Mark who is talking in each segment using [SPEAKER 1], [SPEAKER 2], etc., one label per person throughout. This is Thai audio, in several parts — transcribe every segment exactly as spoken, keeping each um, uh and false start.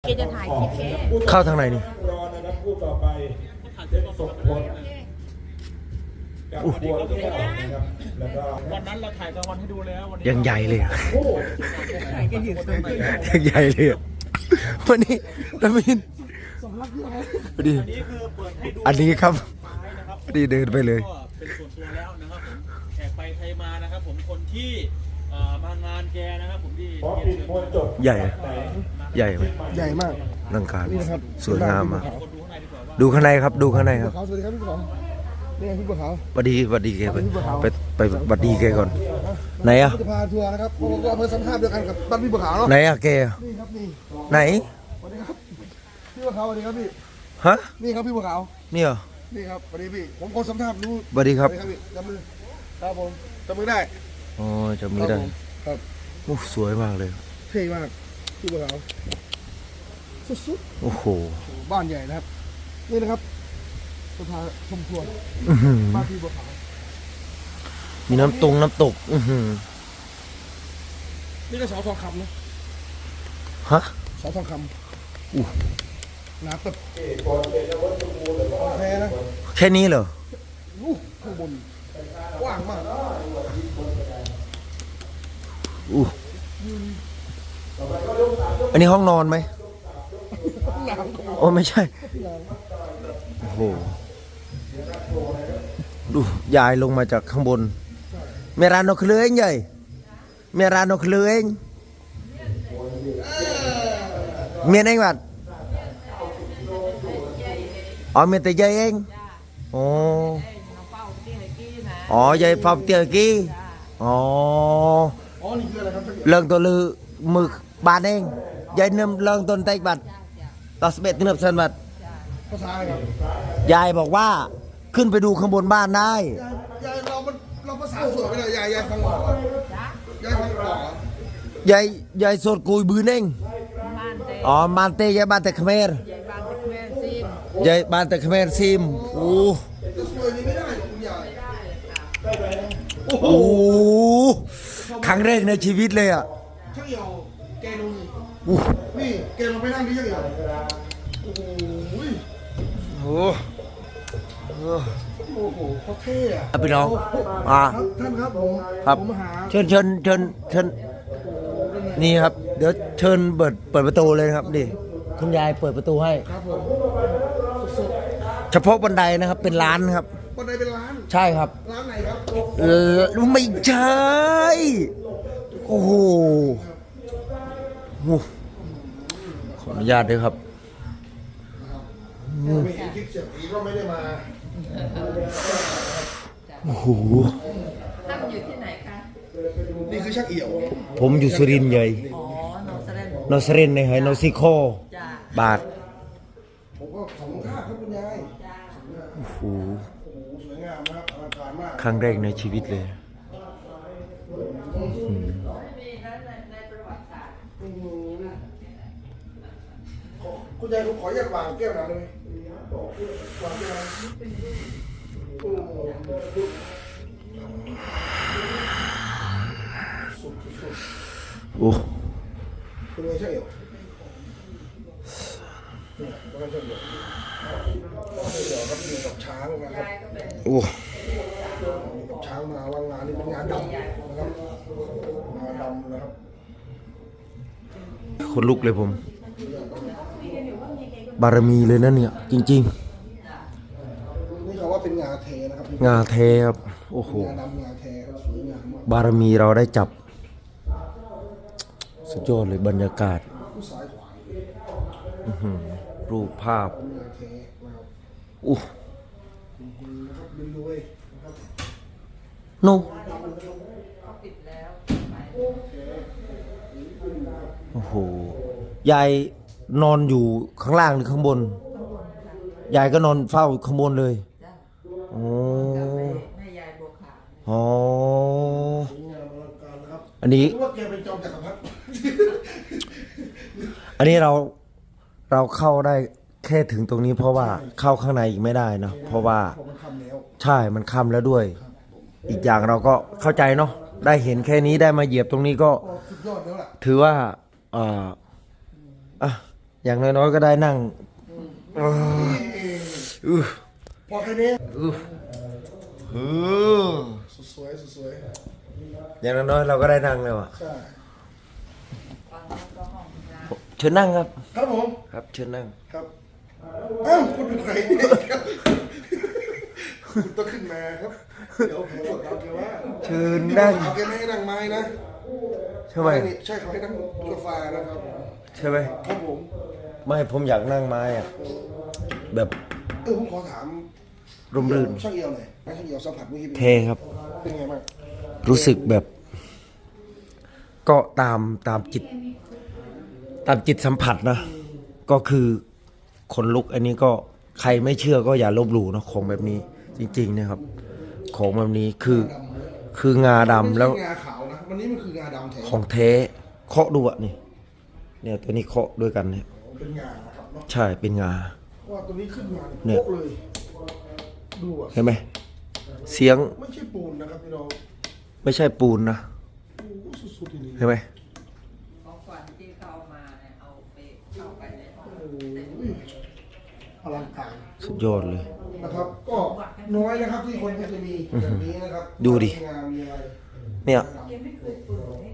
[SPEAKER 1] กจะถ่ายคลิปเอง
[SPEAKER 2] เข้าทางไหนนี่
[SPEAKER 3] รอนะครับผู้ต่อไปเป็นสมพลกับบัวแก้วนะครับแล้วก็
[SPEAKER 4] วันนั้นเราถ่ายกลางวันให้ดูแล้ววันนี้
[SPEAKER 2] ยังใหญ่เลยอะ
[SPEAKER 3] โอ้
[SPEAKER 2] ยังใหญ่เลยอะวันนี้ดามินพอดี
[SPEAKER 4] อันนี้คือเปิดให้ดู
[SPEAKER 2] อันนี้ครับ
[SPEAKER 4] ท้ายนะครับ
[SPEAKER 2] พอดีเดินไปเลย
[SPEAKER 4] ก็เป็นส่วนตัวแล้วนะครับผมแขกไปไทยมานะครับผมคนที่เอ่อมางานแกนะครับผมที่
[SPEAKER 3] พอปิดมวยจบ
[SPEAKER 2] ใหญ่ ใหญ่ไหม
[SPEAKER 5] ใหญ่มาก
[SPEAKER 2] ร่างกาย
[SPEAKER 5] นี่นะครับ
[SPEAKER 2] สวยงามมาก
[SPEAKER 4] คนดูข้างในดีกว่าว่า
[SPEAKER 2] ดูข้างในครับ ดูข้างในครับ
[SPEAKER 5] เขาสวัสดีครับพี่บัวขาวนี่ไงพี่บัวขาว
[SPEAKER 2] บัดดีบัดดีแกไปไปไปบัดดีแกก่อนไหนอะ
[SPEAKER 5] จะพาทัวร์นะครับเพราะว่าอำเภอสัมภาษณ์เดียวกันกับบ้านพี่บัวขาวเนาะ
[SPEAKER 2] ไหนอะแกอะ
[SPEAKER 5] นี่ครับนี่
[SPEAKER 2] ไหน
[SPEAKER 5] สวัสดีครับพี่บัวขาวสวัสดีครับพี่
[SPEAKER 2] ฮะ
[SPEAKER 5] นี่ครับพี่บัวขาว
[SPEAKER 2] นี่เหรอ
[SPEAKER 5] นี่ครับสวัสดีพี่ผมคนสัมภาษณ์รู้
[SPEAKER 2] บัดดีครับ
[SPEAKER 5] สวัสดีพี่จับมือครับผมจับมือได้
[SPEAKER 2] อ๋อจะมีได้
[SPEAKER 5] ครับผมครับ
[SPEAKER 2] โอ้สวยมากเลย
[SPEAKER 5] เท่มากพี่บัวขาวสุด
[SPEAKER 2] โอ้โห
[SPEAKER 5] ๆบ้านใหญ่นะครับนี่นะครับจะพาชมทัวร์
[SPEAKER 2] อื้อหือ
[SPEAKER 5] บ้านพี่บัวขาว
[SPEAKER 2] มีน้ำตรงน้ำตก อือหือ
[SPEAKER 5] นี่ก็เสาทองคำนะ
[SPEAKER 2] ฮะ
[SPEAKER 5] เสาทองคำ
[SPEAKER 2] อู้
[SPEAKER 5] น้ำแบบแพ้นะ
[SPEAKER 2] แค่นี้เหรอ
[SPEAKER 5] อู้ข้างบนกว้างมาก
[SPEAKER 2] อู้อันนี้ห้องนอนไหม
[SPEAKER 5] น้ำก็
[SPEAKER 2] โอ้ไม่ใช่ โอ้โห ดูยายลงมาจากข้างบน เมรานกเคลือเองใหญ่เมรานกเคลือเองเมียนเองบัดอ๋อเมียแต่ยายเองอ๋ออ๋อยายฟอบเตียกี้อ๋อ
[SPEAKER 5] อ๋อนี่คืออะไรครับ
[SPEAKER 2] เรื่องตัวลือมือบานเองยายเนิ่มเรื่องต้นไตบัดต่อสเบ็ดเนิ่มเซนบัด
[SPEAKER 5] ภาษาอะไรครับ
[SPEAKER 2] ยายบอกว่าขึ้นไปดูข้างบนบ้านได้
[SPEAKER 5] ยายยายเรามันเราภาษาสวยไปเลยยายยายฟังออกเหรอยายฟังออกเหรอย
[SPEAKER 2] ายยายสดกุยบืนเอง
[SPEAKER 1] บ้านเต
[SPEAKER 2] อ๋อมานเตยายบ้านแต่เขมร
[SPEAKER 1] ยายบ้านตะแม่ซิม
[SPEAKER 2] ยายบ้านแต่เขมรซิมโอ้
[SPEAKER 5] จะสวยนี้ไม่ได้คุณยาย
[SPEAKER 2] โอ้โหครั้งแรกในชีวิตเลยอ่ะ
[SPEAKER 5] ช่างเหี่ยวแกลงนี่
[SPEAKER 2] อู้
[SPEAKER 5] นี่แกลงไปนั่งที่ช่างเหี่ยวโอ้โห
[SPEAKER 2] โอ้โห
[SPEAKER 5] โอ้โหเขาเท่อะ
[SPEAKER 2] อ่ะพี่น้องอ่า
[SPEAKER 5] ครับท่านครับผม
[SPEAKER 2] ครับ
[SPEAKER 5] ผมหา
[SPEAKER 2] เชิญเชิญเชิญเชิญนี่ครับ เดี๋ยวเชิญเปิดเปิดประตูเลยนะครับดิคุณยายเปิดประตูให้
[SPEAKER 5] ครับผมสด
[SPEAKER 2] เฉพาะบันไดนะครับเป็นร้านครับ
[SPEAKER 5] ๆบันไดเป็นร้าน
[SPEAKER 2] ใช่ครับ
[SPEAKER 5] ร้านไหนครับ
[SPEAKER 2] เออไม่ใช่โอ้โหโอ้โหขออนุญาตด้วยครับ
[SPEAKER 5] ไม่เห็นคลิปเสียงผีก็ไม่ได้มา
[SPEAKER 2] โอ้โห
[SPEAKER 1] ตั้งอยู่ที่ไหนคะ
[SPEAKER 5] นี่คือช่างเอี่ยว
[SPEAKER 2] ผมอยู่สุรินทร์ใหญ่
[SPEAKER 1] อ๋อนอสเรน
[SPEAKER 2] นอสเรนในไฮนอซิโค
[SPEAKER 1] จ้า
[SPEAKER 2] บาท
[SPEAKER 5] ผมก็สองท่าครับคุณยาย
[SPEAKER 1] จ้า
[SPEAKER 2] โอ้โห
[SPEAKER 5] โอ้โหสวยงามนะครับอลังการมาก
[SPEAKER 2] ครั้งแรกในชีวิตเลย
[SPEAKER 1] มีนั้นในในประวัติศาสตร์
[SPEAKER 5] อืมขอคุณยายผมขออนุญาตวางแก้วน้ำได้ไหมวางแก้วน้ำโอ้โหสุดสุด
[SPEAKER 2] โอ้
[SPEAKER 5] เป็นไงช่างเอี่ยวเนี่ยเป็นไงช่างเอี่ยวช่างเอี่ยวครับอยู่กับช้างนะครับ
[SPEAKER 2] โอ้
[SPEAKER 5] กับช้างมาว่างงานนี่เป็นงานดำนะครับงานดำนะครับ
[SPEAKER 2] คนลุกเลยผม บารมีเลยนะเนี่ย จริง
[SPEAKER 5] นี่เขาว่าเป็นงาเทนะครับ
[SPEAKER 2] ๆ งาเทครับ โอ้โห
[SPEAKER 5] งาดำงาเทครับสวยงามมาก
[SPEAKER 2] บารมีเราได้จับ สุดยอดเลยบรรยากาศ
[SPEAKER 5] ผู้สายขวา
[SPEAKER 2] อื้อหือรูปภาพ
[SPEAKER 5] งาเทนะครับ
[SPEAKER 2] อู้
[SPEAKER 5] นะครับบินรวยนะครับ
[SPEAKER 2] โน
[SPEAKER 1] ปิดแล้ว
[SPEAKER 2] โอ้โห ยายนอนอยู่ข้างล่างหรือข้างบน ยายก็นอนเฝ้าข้างบนเลย
[SPEAKER 1] จ้า
[SPEAKER 2] โอ้
[SPEAKER 1] แม่ยายบัวขาว
[SPEAKER 2] อ๋อ
[SPEAKER 5] สวยงามอลังการนะครับ
[SPEAKER 2] อันนี้
[SPEAKER 5] รู้ว่าแกเป็นจอมจักรพรรดิ
[SPEAKER 2] อันนี้เราเราเข้าได้แค่ถึงตรงนี้เพราะว่าเข้าข้างในอีกไม่ได้เนอะเพราะว่า
[SPEAKER 5] ผมมันคำแล้ว
[SPEAKER 2] ใช่มันค่ำแล้วด้วย อีกอย่างเราก็เข้าใจเนาะได้เห็นแค่นี้ได้มาเหยียบตรงนี้ก็
[SPEAKER 5] ก็สุดยอดแล้วล่ะ
[SPEAKER 2] ถือว่าเอ่ออ่ะอย่างน้อยๆก็ได้นั่งเอออื้อ
[SPEAKER 5] พอแค่นี้
[SPEAKER 2] อื้อเออ
[SPEAKER 5] สุดสวยสุดสวย
[SPEAKER 2] อย่างน้อยๆเราก็ได้นั่งแล้วอ่ะ
[SPEAKER 5] ใช่
[SPEAKER 1] ฟังแล้วก็ห้องน้ำ
[SPEAKER 2] เชิญนั่งครับ
[SPEAKER 5] ครับผม
[SPEAKER 2] ครับเชิญนั่ง
[SPEAKER 5] ครับอ้าวคุณเป็นใครเนี่ยครับคุณต้องขึ้นมาครับเดี๋ยวผมบอกเขาแกว่า
[SPEAKER 2] เชิญนั่ง
[SPEAKER 5] เขาแกไม่ให้นั่งไม้นะ
[SPEAKER 2] ใช่ไหม
[SPEAKER 5] ใช่เขาให้นั่งโซฟานะครับ
[SPEAKER 2] ใช่ไหม
[SPEAKER 5] ครับผม
[SPEAKER 2] ไม่ผมอยากนั่งไม้อ่ะแบบ
[SPEAKER 5] เออผมขอถาม
[SPEAKER 2] ร่มรื่น
[SPEAKER 5] ช่างเอียวหน่อยช่างเอียวสัมผัสเมื่อกี้เป็น
[SPEAKER 2] เทครับ
[SPEAKER 5] เป็นไงบ้าง
[SPEAKER 2] รู้สึกแบบ ก็ตามตามจิต ตามจิตสัมผัสนะ ก็คือขนลุกอันนี้ก็ใครไม่เชื่อก็อย่าลบหลู่นะของแบบนี้ จริงๆนะครับ ของแบบนี้คือคืองาดำแล้ว
[SPEAKER 5] ไม่ใช่งาขาวนะวันนี้มันคืองาดำแท้
[SPEAKER 2] ของแท้เคาะดูอ่ะนี่ เนี่ยตัวนี้เคาะด้วยกันเนี่ย
[SPEAKER 5] เป็นงานะครับเนาะ
[SPEAKER 2] ใช่เป็นงา
[SPEAKER 5] ว่าตัวนี้ขึ้นมา
[SPEAKER 2] เนี่
[SPEAKER 5] เนี่ย ยโป๊ะเลยดูอ่ะ
[SPEAKER 2] เห็นไหมเสียง
[SPEAKER 5] ไม่ใช่ปูนนะครับพี่น้อง
[SPEAKER 2] ไม่ใช่ปูนนะ
[SPEAKER 5] โอ้โหสุดๆทีนี้
[SPEAKER 2] เห็นไหม
[SPEAKER 1] ของขวัญที่เขาเอามาเนี่ยเอาไปเอาไปในห้อง
[SPEAKER 5] โอ้ยอลังการ
[SPEAKER 2] สุดยอดเลย
[SPEAKER 5] นะครับ ก็น้อยนะครับที่คนจะมีแบบนี้นะครับ
[SPEAKER 2] ดูดิ
[SPEAKER 5] มีงานมีอะไร
[SPEAKER 2] เนี่ย
[SPEAKER 1] แกไม่เคยเปิดให้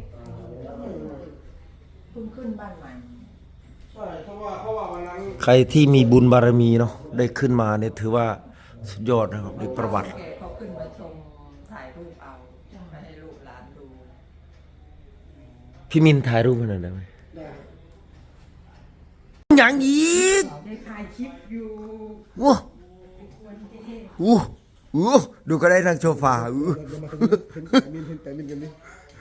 [SPEAKER 1] เพิ่งขึ้นบ้านใหม่
[SPEAKER 5] ใช่เพราะว่าเพราะว่าวันนั้น
[SPEAKER 2] ใครที่มีบุญบารมีเนาะได้ขึ้นมาเนี่ยถือว่าสุดยอดนะครับในประวัติ
[SPEAKER 1] แกเขาขึ้นมาชมถ่ายรูปเอาไม่ให้ลูกหลานดู
[SPEAKER 2] พี่มินถ่ายรูปให้หน่อยได้ไหม
[SPEAKER 5] ได้
[SPEAKER 2] อย่างอีก
[SPEAKER 1] ได้ถ่ายคลิปอยู่
[SPEAKER 2] ว้าอู้อู้ดูก็ได้นั่งโซฟาอู้
[SPEAKER 5] เดี๋ยวมาตรงนี้เห็นแต่มินเห็นแต่มินกันดิ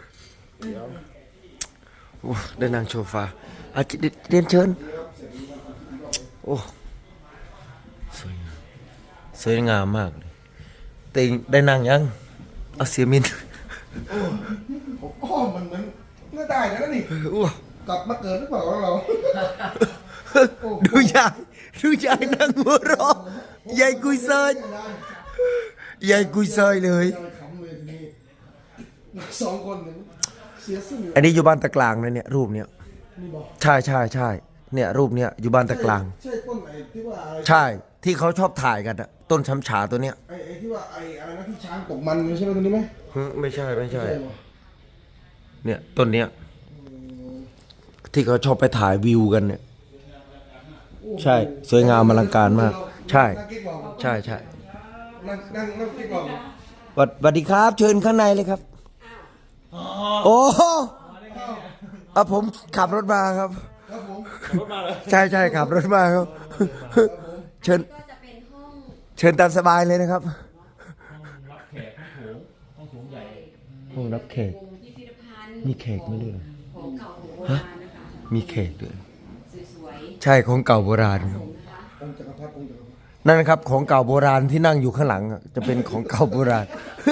[SPEAKER 2] ว้าได้นั่งโซฟาอาจจะเรียนเชิญโอ้สวยงามสวยงามมากเลยแต่ได้นั่งยังเอาเสียมิน
[SPEAKER 5] ผมอ้อมมันเหมือนน่าได้นะนี่
[SPEAKER 2] อู้
[SPEAKER 5] กลับมาเกิดหรือเปล่าของเรา
[SPEAKER 2] ดูยายดูยายนั่งหัวเราะยายกุยเซยยายกุยเซยเลย
[SPEAKER 5] ขำเลยทีนี้สองคนเนี่ยเสียซึ่ง
[SPEAKER 2] อันนี้อยู่บ้านตะกลางนะเนี่ยรูปเนี้ย
[SPEAKER 5] นี่บอก
[SPEAKER 2] ใช่ใช่ใช่เนี่ยรูปเนี้ยอยู่บ้านตะกลาง
[SPEAKER 5] ใช่ต้นไอ้ที่ว่าอะไร
[SPEAKER 2] ใช่ที่เขาชอบถ่ายกันอะต้นช้ำฉาตัวเนี้ย
[SPEAKER 5] ไอ้ไอ้ที่ว่าไอ้อะไรนะที่ช้างตกมันใช่ไหมตัวนี้ไหม
[SPEAKER 2] หึไม่ใช่ไม่ใช่
[SPEAKER 5] ใช่เหรอ
[SPEAKER 2] เนี่ยต้นเนี้ยที่เขาชอบไปถ่ายวิวกันเนี่ย ใช่สวยงามอลังการมาก ใช่
[SPEAKER 5] นั่งกิ๊กบอก
[SPEAKER 2] ใช่ใช่
[SPEAKER 5] นั่งนั่งนั่งกิ๊กบอก
[SPEAKER 2] สวัสสวัสดีครับ เชิญข้างในเลยครับโอ้เอาผมขับรถมาครับ
[SPEAKER 5] ครับผม
[SPEAKER 4] รถมาเลย
[SPEAKER 2] ใช่ใช่ขับรถมาครับ เชิญ
[SPEAKER 6] ก็จะเป็นห้อง
[SPEAKER 2] เชิญตามสบายเลยนะครับ
[SPEAKER 4] รับแขกห้องโถงห้องโถงใหญ่
[SPEAKER 2] ห้องรับแขก
[SPEAKER 6] วงพิพิธภัณฑ์
[SPEAKER 2] มีแขกไหมด้วย
[SPEAKER 6] ของเก่าของโบราณนะคะ
[SPEAKER 2] มีแขกด้วย
[SPEAKER 6] สวย
[SPEAKER 2] ใช่ของเก่าโบราณครับ
[SPEAKER 6] ๆนะคะ
[SPEAKER 5] องค์จักรพรรดิองค์จักรพรรดิ
[SPEAKER 2] นั่นนะครับของเก่าโบราณที่นั่งอยู่ข้างหลังอะจะเป็นของเก่าโบราณ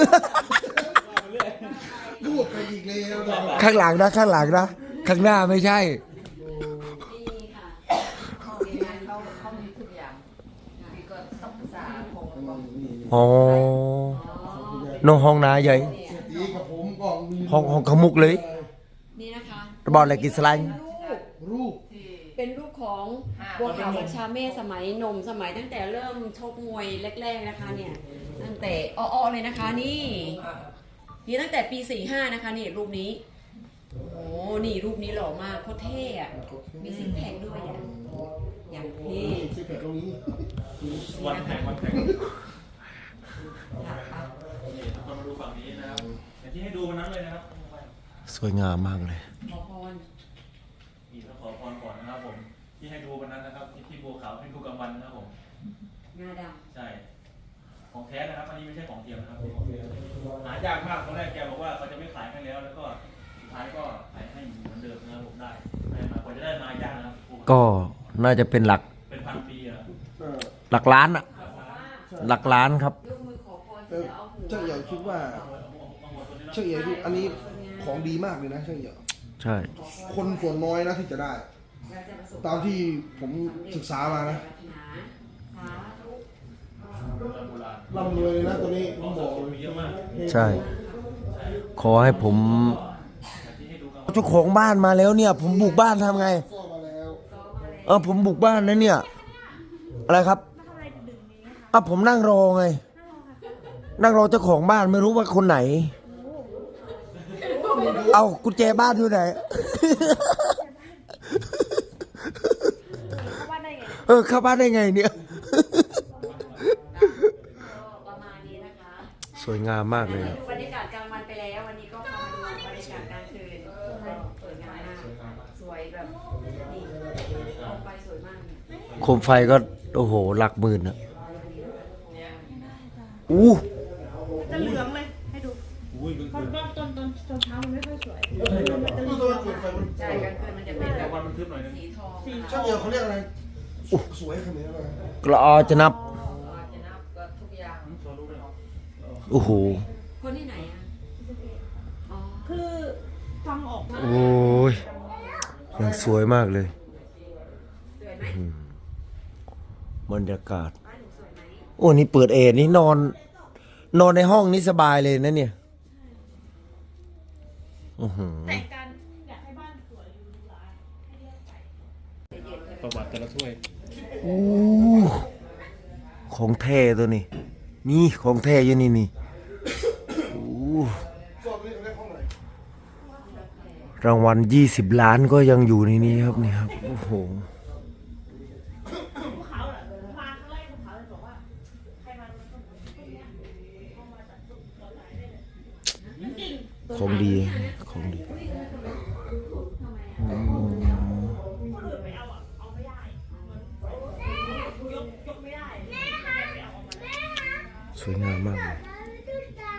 [SPEAKER 5] พูดไปอีกแล้วนะ
[SPEAKER 2] ข้างหลังนะข้างหลังนะข้างหน้าไม่ใช่
[SPEAKER 6] นี่ค่ะ
[SPEAKER 1] ห้องนี้นะเขาเขามีทุกอย่างมีก็ต้องภาษาของของ
[SPEAKER 2] อ๋อน้องห้องนาใหญ่
[SPEAKER 5] อีกกับผมก็มี
[SPEAKER 2] ห้องห้องขมุกเลย
[SPEAKER 6] นี่นะคะ
[SPEAKER 2] บอลอะไรกินสไลด์
[SPEAKER 6] รูป
[SPEAKER 5] รูป
[SPEAKER 6] เป็นรูปของบัวขาวบัญชาเมฆสมัยหนมสมัยตั้งแต่เริ่มชกมวยแรกๆนะคะเนี่ยตั้งแต่อ้อๆเลยนะคะนี่นี่ตั้งแต่ปีสี่ห้านะคะนี่รูปนี้โอ้นี่รูปนี้หล่อมากโคตรเท่อะมีซิกแพคด้วยอะอย่างเท่
[SPEAKER 5] สิบแปดตรงนี้
[SPEAKER 4] วันแข่งวันแข่ง
[SPEAKER 1] ค่ะ
[SPEAKER 4] นี่เรามาดูฝั่งนี้นะครับอย่างที่ให้ดูวันนั้นเลยนะครับ
[SPEAKER 2] สวยงามมากเลย
[SPEAKER 6] ขอพร
[SPEAKER 4] นี่ต้องขอพรก่อนนะครับผมที่ให้ดูวันนั้นนะครับที่ที่บัวขาวให้ดูกลางวันนะครับผม
[SPEAKER 6] งาด
[SPEAKER 4] ใช่ของแท้นะครับอันนี้ไม่ใช่ของเทียมนะครับหายากมากตอนแรกแกบอกว่าเขาจะไม่ขายให้แล้วแล้วก็สุดท้ายก็ขายให้เหมือนเดิมนะครับผมได้ได้มากว่าจะได้มายากนะครับ
[SPEAKER 2] ก็น่าจะเป็นหลัก
[SPEAKER 4] เป็นพันปีอะ
[SPEAKER 5] เออ
[SPEAKER 2] หลักล้านอะหลักล้านครับ
[SPEAKER 6] ำยกมือขอพร
[SPEAKER 5] เอ
[SPEAKER 6] เสร็จ
[SPEAKER 5] อ
[SPEAKER 6] แล้วเอาหัว
[SPEAKER 5] เจ้าใหญ่คิดว่าเจ้าใหญ่คิดอันนี้ของดีมากเลยนะเจ้าใหญ่
[SPEAKER 2] ใช่
[SPEAKER 5] คนส่วนน้อยนะที่จะได้
[SPEAKER 6] เราจะประสบ
[SPEAKER 5] ตามที่ผมศึกษามานะ
[SPEAKER 6] ปรารถนาสาธุ
[SPEAKER 4] โบราณ
[SPEAKER 5] ร่ำรวยเลยนะตัวนี้ผมบอกเลย
[SPEAKER 4] มีเยอะมาก
[SPEAKER 2] ใช่ ขอให้ผมเจ้าของบ้านมาแล้วเนี่ย ผมบุกบ้านทำไง
[SPEAKER 5] ซ่อมาแล้ว
[SPEAKER 2] เอผมบุกบ้านนะเนี่ย อะไรครับอ่ะผมนั่งรอไง นั่งรอเจ้าของบ้านไม่รู้ว่าคนไหน เอากุญแจบ้านอยู่ไหน เออเข้าบ้านได้ไงเนี่ย
[SPEAKER 6] ประมาณนี้นะคะ
[SPEAKER 2] สวยงามมากเลยอะ
[SPEAKER 6] ดูบรรยากาศกลางวันไปแล้ววันนี้ก็พามาดูบรรยากาศกลางคืนสวยงามมากสวยแบบนี่โคมไฟสวยมากเนี่ย
[SPEAKER 2] โคมไฟก็โอ้โหหลักหมื่นอะอู้
[SPEAKER 7] จะเหลืองเลยให้ดูเพราะว่าตอนตอนตอนเช้ามันไม่ค่อยสวยมันจะเหลือง
[SPEAKER 6] ใช่กลางคืนมันจะเป็นแบ
[SPEAKER 4] แต่
[SPEAKER 6] บ
[SPEAKER 4] วันมันทึบหน่อยนึง
[SPEAKER 6] สีทอง
[SPEAKER 5] ช่างเดียวเขาเรียกอะไรสวยขนาดนั้นเลย
[SPEAKER 2] กระออจะนับ
[SPEAKER 1] จะนับก็ทุกอย่าง
[SPEAKER 4] โชว์รูปเลย
[SPEAKER 2] โอ้โห
[SPEAKER 6] คนที่ไหนอ่ะอ๋อ
[SPEAKER 7] คือฟังออกมา
[SPEAKER 2] โอ้ยยังสวยมากเลย
[SPEAKER 6] สวยไหม
[SPEAKER 2] อืมบรรยากาศ
[SPEAKER 6] บ้านหนูสวยไหม
[SPEAKER 2] โอ้นี่เปิดแอร์นี่นอน นอนในห้องนี่สบายเลยนะเนี่ยอือหือ
[SPEAKER 7] แต่งกันอยากให้บ้านสวยอยู่หลายให้เรียกไป
[SPEAKER 4] ประวัติแต่ละถ้วย
[SPEAKER 2] อู้ของแท้ตัวนี้ นี่ของแท้อยู่นี่นี่อู้
[SPEAKER 5] สอบนี้เขาเรียกห้องไหน
[SPEAKER 2] รางวัลยี่สิบล้านก็ยังอยู่ในนี้ครับนี่ครับ โอ้โห
[SPEAKER 7] ภูเขาเหรอมาครั้งแรกภูเขาเลยบอกว่าใครมาต้นเนี้ยเข้ามาจากต้นตัวไหนได้เลยจริง
[SPEAKER 2] ของดี ของดี
[SPEAKER 7] คนอื่นไปเอาอ่ะเอาไม่ได้มันยกยกไม่ได้ไปเอาออกมา
[SPEAKER 2] สวยงามมาก